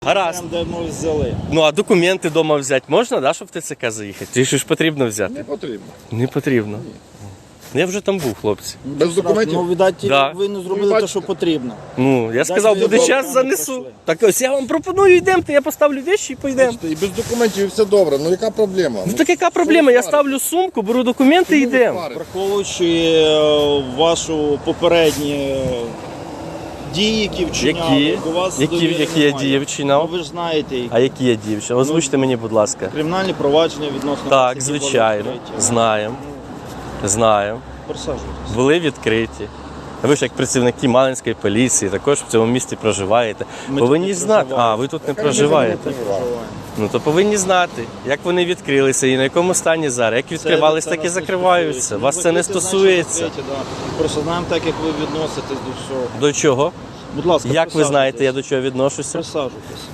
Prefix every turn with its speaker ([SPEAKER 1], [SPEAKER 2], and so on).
[SPEAKER 1] Гаразд.
[SPEAKER 2] Де ми взяли.
[SPEAKER 1] Ну а документи вдома взяти можна, да, щоб в ТЦК заїхати? Чи ж потрібно взяти?
[SPEAKER 3] Не потрібно.
[SPEAKER 1] Не потрібно. Я вже там був, хлопці.
[SPEAKER 3] Без документів?
[SPEAKER 2] Ну, видать,
[SPEAKER 1] Да.
[SPEAKER 2] ви не зробили те, що потрібно.
[SPEAKER 1] Ну, я сказав,
[SPEAKER 2] ви
[SPEAKER 1] буде
[SPEAKER 2] добре,
[SPEAKER 1] час,
[SPEAKER 2] ми
[SPEAKER 1] занесу.
[SPEAKER 2] пройшли.
[SPEAKER 1] Так ось я вам пропоную, йдемте, я поставлю вещи і поїдемо.
[SPEAKER 3] І без документів все добре. Ну яка проблема?
[SPEAKER 1] Ну так яка проблема? Я ставлю сумку, беру документи і йдемо.
[SPEAKER 2] Враховуючи вашу попередні дії, які вчиняли,
[SPEAKER 1] Які?
[SPEAKER 2] до вас
[SPEAKER 1] Які
[SPEAKER 2] довіри
[SPEAKER 1] я
[SPEAKER 2] немає.
[SPEAKER 1] дії вчиняв?
[SPEAKER 2] Ну, ви ж знаєте, які
[SPEAKER 1] А які я дівчина? Озвучте мені, будь ласка.
[SPEAKER 2] кримінальні провадження відносно вас,
[SPEAKER 1] Так,
[SPEAKER 2] які були
[SPEAKER 1] звичайно.
[SPEAKER 2] відкриті.
[SPEAKER 1] Знаємо. Знаємо.
[SPEAKER 2] Присаджуйтесь.
[SPEAKER 1] Були відкриті. Ви ж як працівники Малинської поліції, також в цьому місті проживаєте.
[SPEAKER 2] Ми
[SPEAKER 1] Повинні
[SPEAKER 2] тут не
[SPEAKER 1] знати.
[SPEAKER 2] проживаємо.
[SPEAKER 1] А, ви тут не проживаєте. Ну то повинні знати, як вони відкрилися і на якому стані зараз. Як відкривались, так і закриваються. Вас це не стосується.
[SPEAKER 2] Просто знаємо так, як ви відноситесь до всього.
[SPEAKER 1] До чого?
[SPEAKER 2] Будь ласка,
[SPEAKER 1] Як ви знаєте, я
[SPEAKER 2] присаджуйтесь.
[SPEAKER 1] до чого відношуся?
[SPEAKER 2] Присаджуйтесь.